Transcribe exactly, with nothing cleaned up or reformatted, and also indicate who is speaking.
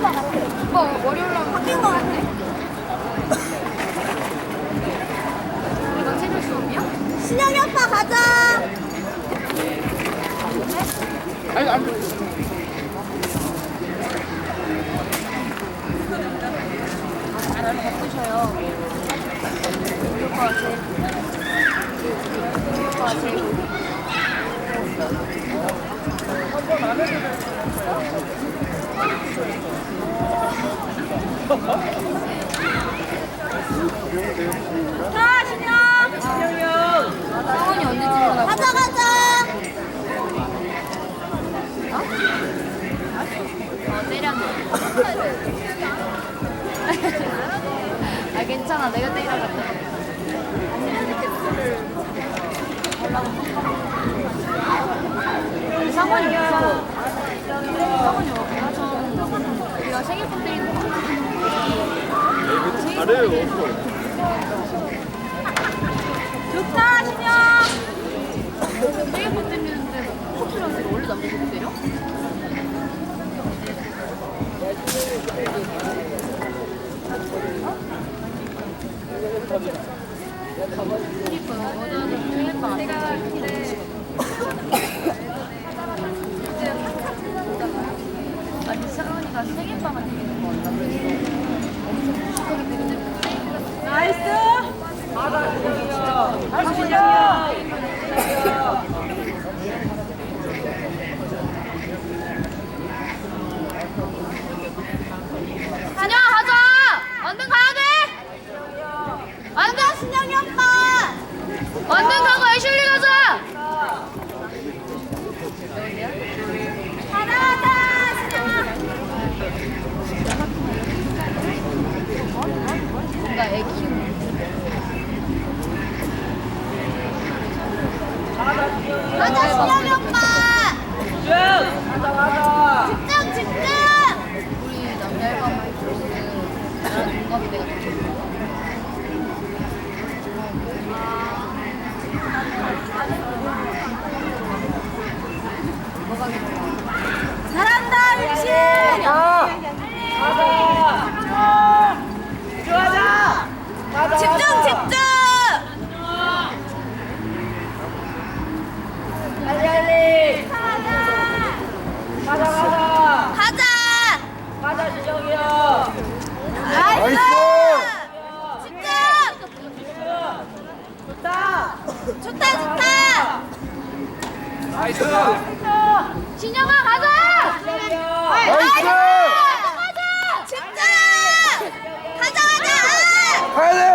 Speaker 1: 오빠 머리 올라오면 바뀐 거 같네. 이거 체력 수업이야? 신영이 오빠 가자.
Speaker 2: 아니 안
Speaker 1: 날 바꾸셔요. 우리 오빠가 제일 우리 오빠가 제일 자, 신영! 신영이 형! 성원이 언제 집에 가자, 가자! 어? 어, 때렸네. 아, 괜찮아. 내가 때려갔다. 상원이 무서워. 상원이 어디가? 저 우리가 생일폰 때리는 거 아니야?
Speaker 2: 잘해요.
Speaker 1: 좋다, 신영! 생일폰 때리는데 커플한테 원래 남자도 때려? 그니까 어제는 생일빵 안 했는데 아니 사원이가 생일빵을 때리는 거 같다 그래서 엄청 무식하게 때리는데 나이스! 맞아 신영이야 할 수 있냐 신영아 가자! 얼른 가야 돼! 얼른 신영이 오빠! 얼른 가고 애슐리 가자! 가자 신영아! 뭔가 애 키우는 가자 신영이 오빠!
Speaker 2: 가자 가자.
Speaker 1: 집중 집중! 우리 남자 일반 마이크로스는 나랑 동갑이 내가 더 좋아. 뭐가 좋아? 잘한다 율신!
Speaker 2: 가자. 들어가자. 가자.
Speaker 1: 집중 집중!
Speaker 2: 빨리 빨리. 가자 가자.
Speaker 1: 가자!
Speaker 2: 가자 진영이 형.
Speaker 1: 나이스!
Speaker 2: 나이스!
Speaker 1: 집중!
Speaker 2: 좋다.
Speaker 1: 좋다 좋다!
Speaker 2: 나이스.
Speaker 1: 신영아 가자!
Speaker 2: 나이스.
Speaker 1: 가자! 집중! 가자 가자!
Speaker 2: 가야 돼요.